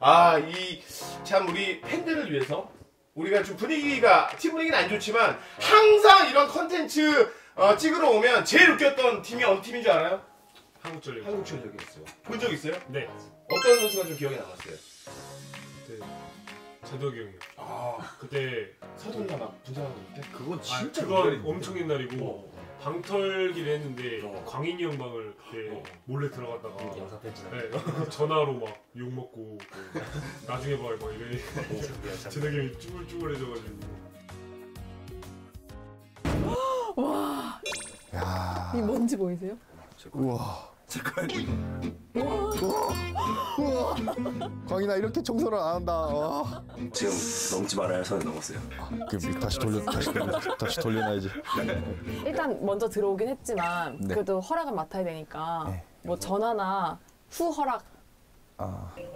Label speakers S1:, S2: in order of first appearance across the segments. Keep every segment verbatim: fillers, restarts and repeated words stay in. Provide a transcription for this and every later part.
S1: 아, 이 참 우리 팬들을 위해서 우리가 좀 분위기가 팀 분위기는 안 좋지만 항상 이런 컨텐츠 어, 찍으러 오면 제일 웃겼던 팀이 어느 팀인 줄 알아요?
S2: 한국전력.
S1: 한국전력이었어요. 본 적 있어요?
S2: 네.
S1: 어떤 선수가 좀 기억에 남았어요?
S2: 그때 제덕이 형이요.
S1: 아,
S2: 그때
S1: 서둘러 막 분장하고 때?
S3: 그건
S2: 아,
S3: 진짜
S2: 그건 엄청 옛날이고
S1: 어.
S2: 방털기를 했는데
S1: 어.
S2: 광인이 형 방을 그때
S1: 어.
S2: 몰래 들어갔다가
S4: 영상 편지나.
S2: 네, 전화로 막 욕 먹고 나중에 봐요 막 이래. 제덕이 형이 쭈글쭈글해져가지고.
S5: 와,
S3: 야.
S5: 이 뭔지 보이세요?
S3: 우와. 우와. 광인아 이렇게 청소를 안 한다. 와.
S4: 지금 넘지 말아요. 선을 넘었어요.
S3: 그 다시 돌려 다시 돌려 다시 돌려놔야지.
S5: 일단 먼저 들어오긴 했지만
S3: 네.
S5: 그래도 허락은 맡아야 되니까
S3: 네.
S5: 뭐 전화나 후 허락.
S3: 아.
S6: 어, 왜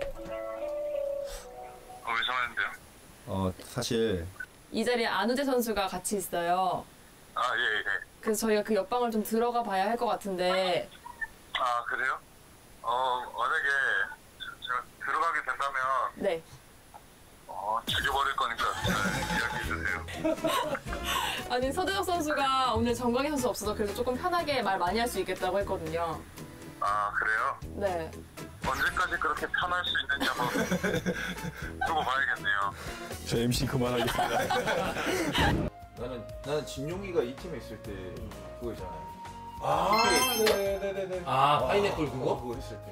S6: 전화했는데요?
S3: 어 사실
S5: 이 자리에 안우재 선수가 같이 있어요.
S6: 아, 예, 예.
S5: 그래서 저희가 그 옆방을 좀 들어가 봐야 할 것 같은데.
S6: 아, 그래요? 어, 만약에 제가 들어가게 된다면,
S5: 네.
S6: 어, 죽여버릴 거니까 잘 이야기해주세요.
S5: 아니 서대혁 선수가 오늘 정광희 선수 없어서 그래도 조금 편하게 말 많이 할 수 있겠다고 했거든요.
S6: 아, 그래요?
S5: 네.
S6: 언제까지 그렇게 편할 수 있는지 한번 두고 봐야겠네요.
S3: 저 엠씨 그만하겠습니다.
S7: 나는 나는 진용이가 이 팀에 있을 때 그거 있잖아요.
S1: 아, 네네네네.
S4: 아, 파인애플 그거?
S7: 그거 했을 때.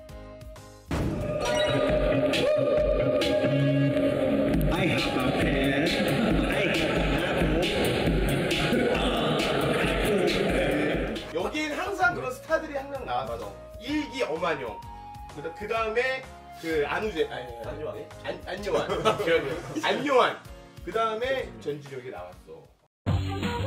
S1: 여기엔 항상 그런 스타들이 항상 나왔어. 일기 엄한용. 그 다음에 그 안우재, 아니,
S7: 안요한.
S1: 안, 안요한. 안요한. 그 다음에 전진혁이 나왔어.